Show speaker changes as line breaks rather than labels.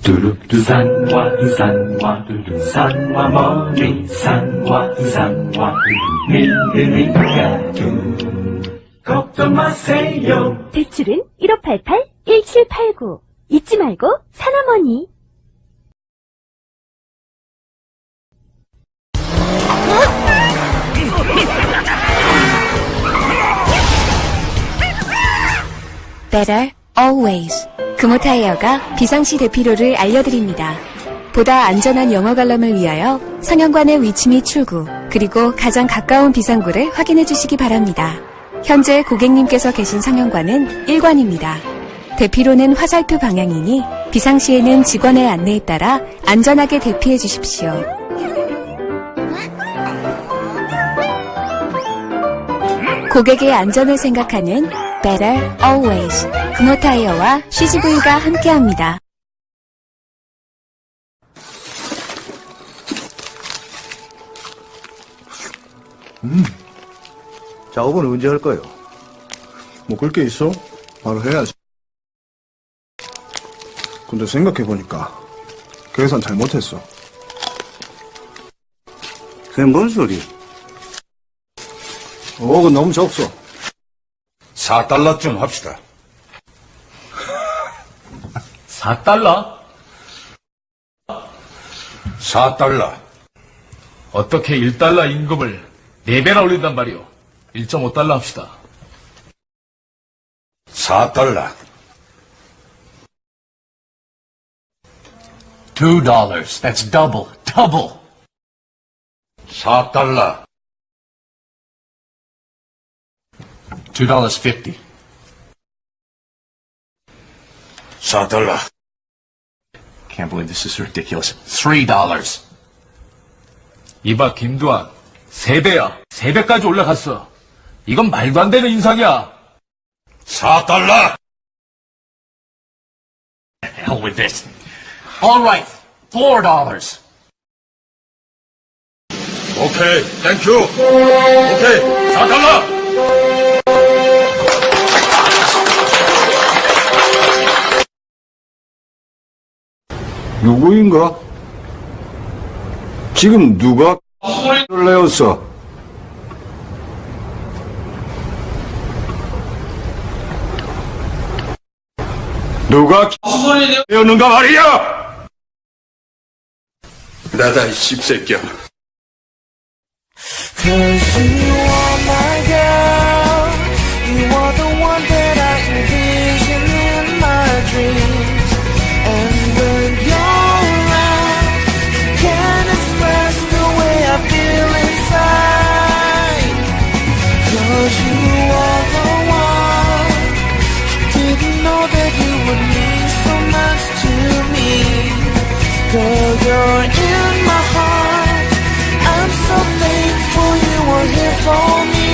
두산과 두산과 두산과 머리 산과 두산과 믿으니까 걱정 마세요.
대출은 1588-1789. 잊지 말고 산어머니.
Better Always. 금호타이어가 비상시 대피로를 알려드립니다. 보다 안전한 영어 관람을 위하여 상영관의 위치 및 출구, 그리고 가장 가까운 비상구를 확인해 주시기 바랍니다. 현재 고객님께서 계신 상영관은 1관입니다. 대피로는 화살표 방향이니 비상시에는 직원의 안내에 따라 안전하게 대피해 주십시오. 고객의 안전을 생각하는 Better Always. 금호타이어와 CGV가 함께합니다.
작업은 언제 할 거예요?
뭐 그럴 게 있어? 바로 해야지. 근데 생각해보니까 계산 잘못했어.
그게 뭔 소리?
5억은 너무 적소.
4달러쯤 합시다.
4달러?
4달러.
어떻게 1달러 임금을 4배나 올린단 말이오. 1.5달러 합시다.
4달러.
$2. That's double.
4달러.
$2.50.
4달러.
Can't believe this is ridiculous. $3. 이봐, 김두한. 3배야. 3배까지 올라갔어. 이건 말도 안 되는 인상이야.
4달러.
Hell with this. All right. $4.
오케이, 땡큐. 오케이, 4달러.
누구인가? 지금 누가 X를 내었어? 누가 X를 내었는가 말이야!
나다, 이 씹새끼야.
Cause you are my girl. You are the one that I envision in my dreams. And when you're around, can't express the way I feel inside. Cause you are the one. Didn't know that you would mean so much to me. Girl, you're in my heart. I'm so thankful you were here for me.